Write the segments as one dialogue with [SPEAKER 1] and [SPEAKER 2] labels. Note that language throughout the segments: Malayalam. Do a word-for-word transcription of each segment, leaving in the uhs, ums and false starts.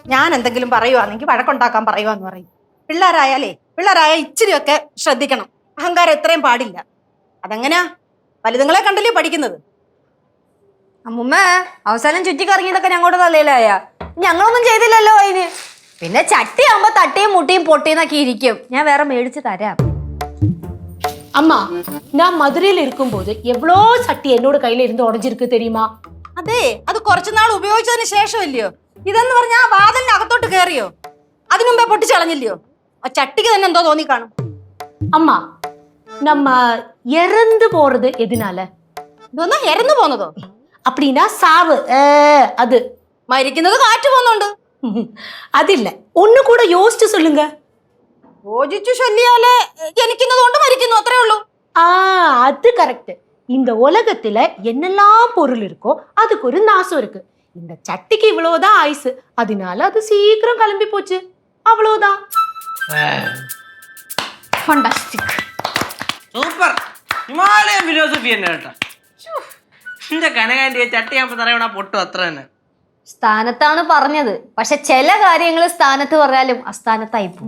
[SPEAKER 1] ഞാൻ എന്തെങ്കിലും പറയുവാണെങ്കിൽ വഴക്കുണ്ടാക്കാൻ പറയുവാന്ന് പറയും. പിള്ളേരായാലേ പിള്ളേരായ ഇച്ചിരിയൊക്കെ ശ്രദ്ധിക്കണം. അഹങ്കാരം ഇത്രയും പാടില്ല. അതെങ്ങനെയാ? വലുതുങ്ങളെ കണ്ടല്ലേ പഠിക്കുന്നത്.
[SPEAKER 2] അമ്മുമ്മ അവസാനം ചുറ്റിക്കറങ്ങിയതൊക്കെ ഞങ്ങളുടെ തലയിലായ, ഞങ്ങളൊന്നും ചെയ്തില്ലല്ലോ അതിന്. പിന്നെ ചട്ടിയാകുമ്പോ തട്ടിയും മുട്ടിയും പൊട്ടിയെന്നൊക്കെ ഇരിക്കും. ഞാൻ വേറെ മേടിച്ച് തരാം.
[SPEAKER 3] அம்மா, நான் மதுரையில இருக்கும்போது எவ்வளோ சட்டி என்னோட கையில இருந்து உடஞ்சிருக்கு தெரியுமா?
[SPEAKER 1] അതെ, അത് കുറച്ചുനാൾ ഉപയോഗിച്ചതിന് ശേഷം ഇല്ലയോ? ഇതെന്ന് പറഞ്ഞാൽ ആ വാതിലിന് അകത്തോട്ട് കയറിയോ? അതിനു മുമ്പേ പൊട്ടിച്ചളഞ്ഞില്ലയോ? ആ ചട്ടിക്ക് തന്നെ എന്തോ തോന്നി കാണും.
[SPEAKER 3] அம்மா, நம்ம இறந்து போறது எதனால?
[SPEAKER 1] ഇതൊന്നാ ഇറന്നു പോന്നതോ?
[SPEAKER 3] அப்படின்னா சாவு. அது
[SPEAKER 1] മരിക്കുന്നത് കാറ്റ് പോന്നുണ്ട്.
[SPEAKER 3] അതില്ല, ഒന്നു കൂടെ യോജിച്ച് சொல்லுங்க.
[SPEAKER 1] യോജിച്ചു ചൊല്ലിയാലേ ജനിക്കുന്നത് കൊണ്ട് മരിക്കുന്നു, അത്രേ ഉള്ളൂ.
[SPEAKER 3] ஆ, அது கரெக்ட். இந்த உலகத்துல என்னெல்லாம் பொருள் இருக்கோ அதுக்கு ஒரு நாசம் இருக்கு. இந்த சட்டிக்கு இவ்வளவுதான் ஆயுசு, அதனால அது சீக்கிரம் கிளம்பி போச்சு, அவ்வளவுதான்.
[SPEAKER 2] Fantastic,
[SPEAKER 4] super. ഹിമാലയൻ ഫിലോസഫി തന്നെ കേട്ടോ. എന്റെ കനകാന്റിയെ ചട്ടിയാകുമ്പോ തറയണ പൊട്ടും, അത്ര തന്നെ.
[SPEAKER 2] സ്ഥാനത്താണ് പറഞ്ഞത്, പക്ഷെ ചില കാര്യങ്ങൾ സ്ഥാനത്ത് പറഞ്ഞാലും അസ്ഥാനത്തായി പോകും.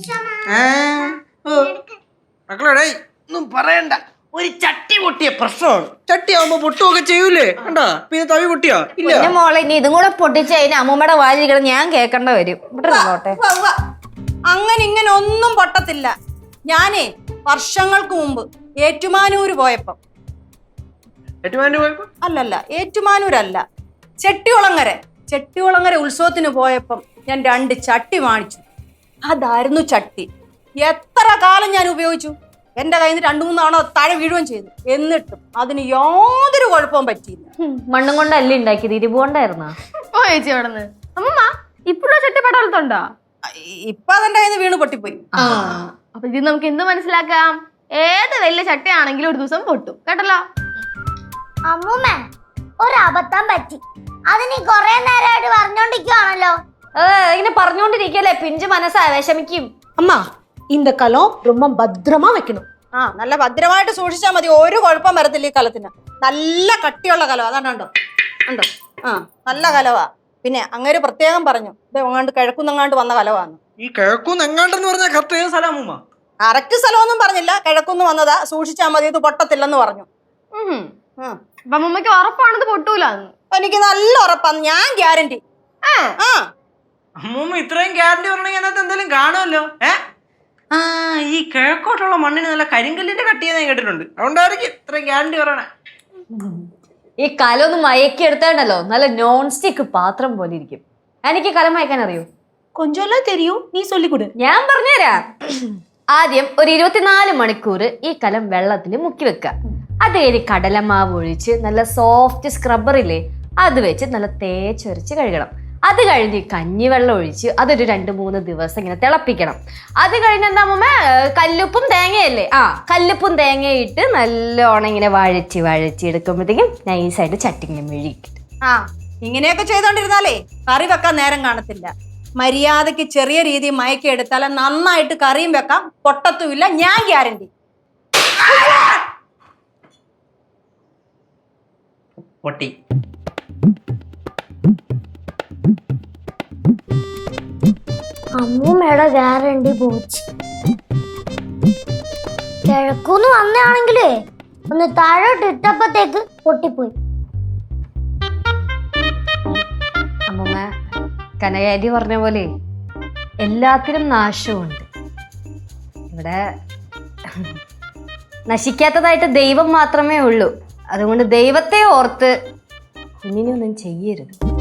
[SPEAKER 4] മക്കളോടെ ഒന്നും പറയണ്ട, ഒരു ചട്ടി പൊട്ടിയ പ്രശ്നമാണ്. ചട്ടിയാവുമ്പോ പൊട്ടുമൊക്കെ ചെയ്യൂലേ, കണ്ടാ? പിന്നെ തവി പൊട്ടിയോ?
[SPEAKER 2] പിന്നെ മോളെ ഇനി ഇതും കൂടെ പൊട്ടിച്ച് കഴിഞ്ഞാൽ അമ്മൂമ്മയുടെ വാലിരിക്കണം ഞാൻ കേൾക്കേണ്ട വരും. ഇവിടെ
[SPEAKER 1] അങ്ങനെ ഇങ്ങനെ ഒന്നും പൊട്ടത്തില്ല. ഞാനേ വർഷങ്ങൾക്ക് മുമ്പ് ഏറ്റുമാനൂര് പോയപ്പോ, അല്ലല്ല ഏറ്റുമാനൂരല്ല, ചെട്ടികുളങ്ങര ചെട്ടികുളങ്ങര ഉത്സവത്തിന് പോയപ്പം ഞാൻ രണ്ട് ചട്ടി വാങ്ങിച്ചു. അതായിരുന്നു ചട്ടി. എത്ര കാലം ഞാൻ ഉപയോഗിച്ചു. എന്റെ കയ്യിൽ നിന്ന് രണ്ടു മൂന്ന് തവണ താഴെ വീഴുകയും ചെയ്തു. എന്നിട്ടും അതിന് യാതൊരു കുഴപ്പവും പറ്റിയില്ല.
[SPEAKER 2] മണ്ണും കൊണ്ടല്ലേ ഉണ്ടാക്കിയത്, ഇരുപോണ്ടായിരുന്നോ?
[SPEAKER 5] ഓ ചേച്ചി അവിടെന്ന് അമ്മമ്മ ഇപ്പോഴും ചട്ടിപ്പടവലത്തുണ്ടോ?
[SPEAKER 1] ഇപ്പൊ അതെന്റെ കയ്യിൽ നിന്ന് വീണ് പൊട്ടിപ്പോയി.
[SPEAKER 5] അപ്പൊ ഇത് നമുക്ക് എന്ത് മനസ്സിലാക്കാം? ഏത് വലിയ ചട്ടിയാണെങ്കിലും ഒരു ദിവസം പൊട്ടും, കേട്ടല്ലോ.
[SPEAKER 6] അമ്മൂമ്മ ഒരബദ്ധം പറ്റി, അത് നീ കൊറേ നേരമായിട്ട് പറഞ്ഞോണ്ടിരിക്കുവാണല്ലോ.
[SPEAKER 2] ഇങ്ങനെ പറഞ്ഞോണ്ടിരിക്കല്ലേ, പിഞ്ചു മനസ്സാ വിഷമിക്കും.
[SPEAKER 3] അമ്മ, இந்த കലം ரொம்ப ഭദ്രമാ വെക്കണം.
[SPEAKER 1] ആ, നല്ല ഭദ്രമായിട്ട് സൂക്ഷിച്ചാൽ മതി, ഒരു കുഴപ്പം വരത്തില്ല ഈ കലത്തിന്. നല്ല കട്ടിയുള്ള കലം, അതാണ്. ഉണ്ടോ ഉണ്ടോ ആ, നല്ല കലവാ. പിന്നെ അങ്ങനെ പ്രത്യേകം പറഞ്ഞു, ഇത് എങ്ങാണ്ട് കിഴക്കുന്നങ്ങാണ്ട് വന്ന കലവാന്ന്.
[SPEAKER 4] ഈ കിഴക്കുന്നെങ്ങാണ്ടെന്ന് പറഞ്ഞാൽ കറക്റ്റ് ഏത് സ്ഥലം?
[SPEAKER 1] കറക്റ്റ് സ്ഥലമൊന്നും പറഞ്ഞില്ല, കിഴക്കുന്ന് വന്നതാ, സൂക്ഷിച്ചാൽ മതി, ഇത് പൊട്ടത്തില്ലെന്ന് പറഞ്ഞു.
[SPEAKER 5] അപ്പൊ അമ്മമ്മക്ക് ഉറപ്പാണത് പൊട്ടൂലെന്ന്?
[SPEAKER 1] എനിക്ക് നല്ല ഉറപ്പാണ്, ഞാൻ ഗ്യാരണ്ടി. ആ,
[SPEAKER 4] അമ്മൂമ്മ ഇത്രയും ഗ്യാരണ്ടി പറഞ്ഞെങ്കിൽ അതിനകത്ത് എന്തെങ്കിലും കാണുമല്ലോ. ഏ ആ, ഈ കിഴക്കോട്ടുള്ള മണ്ണിന് നല്ല കരിങ്കല്ലിന്റെ കട്ടിയെന്ന് ഞാൻ കേട്ടിട്ടുണ്ട്, അതുകൊണ്ടായിരിക്കും ഇത്രയും ഗ്യാരണ്ടി പറയണേ.
[SPEAKER 2] ഈ കലം ഒന്ന് മയക്കി എടുത്തേണ്ടല്ലോ, നല്ല നോൺ സ്റ്റിക്ക് പാത്രം പോലെ ഇരിക്കും. എനിക്ക് കലം മയക്കാൻ അറിയൂ?
[SPEAKER 3] കൊഞ്ചെല്ലാം തെരിയും, നീ ചൊല്ലിക്കൊടു.
[SPEAKER 2] ഞാൻ പറഞ്ഞുതരാം. ആദ്യം ഒരു ഇരുപത്തിനാല് മണിക്കൂർ ഈ കലം വെള്ളത്തിൽ മുക്കി വെക്കുക. അത് കഴിഞ്ഞ് കടലമാവ് ഒഴിച്ച് നല്ല സോഫ്റ്റ് സ്ക്രബ്ബർ ഇല്ലേ, അത് വെച്ച് നല്ല തേച്ചൊരച്ച് കഴുകണം. അത് കഴിഞ്ഞ് കഞ്ഞിവെള്ളം ഒഴിച്ച് അതൊരു രണ്ട് മൂന്ന് ദിവസം ഇങ്ങനെ തിളപ്പിക്കണം. അത് കഴിഞ്ഞ് എന്താ അമ്മ, കല്ലുപ്പും തേങ്ങയല്ലേ, ആ കല്ലുപ്പും തേങ്ങയിട്ട് നല്ലോണം ഇങ്ങനെ വഴച്ച് വഴച്ച് എടുക്കുമ്പോഴത്തേക്കും നൈസായിട്ട് ചട്ടിങ്ങനെ മെഴുകിക്കും.
[SPEAKER 1] ആ, ഇങ്ങനെയൊക്കെ ചെയ്തോണ്ടിരുന്നാലേ കറി വെക്കാൻ നേരം കാണത്തില്ല. മര്യാദക്ക് ചെറിയ രീതിയിൽ മയക്കി എടുത്താൽ നന്നായിട്ട് കറിയും വെക്കാം, പൊട്ടത്തുമില്ല, ഞാൻ ഗ്യാരണ്ടി.
[SPEAKER 4] പൊട്ടി.
[SPEAKER 6] അമ്മൂമ്മയുടെ ഗ്യാരണ്ടി പോച്ച്. കിഴക്കൂന്ന് വന്നാണെങ്കിലേ ഒന്ന് താഴോട്ട് ഇട്ടപ്പത്തേക്ക് പൊട്ടിപ്പോയി.
[SPEAKER 2] അമ്മമ്മ കനകാരി പറഞ്ഞ പോലെ എല്ലാത്തിനും നാശമുണ്ട്. ഇവിടെ നശിക്കാത്തതായിട്ട് ദൈവം മാത്രമേ ഉള്ളൂ. അതുകൊണ്ട് ദൈവത്തെ ഓർത്ത് കുഞ്ഞിനെ ഒന്നും ചെയ്യരുത്.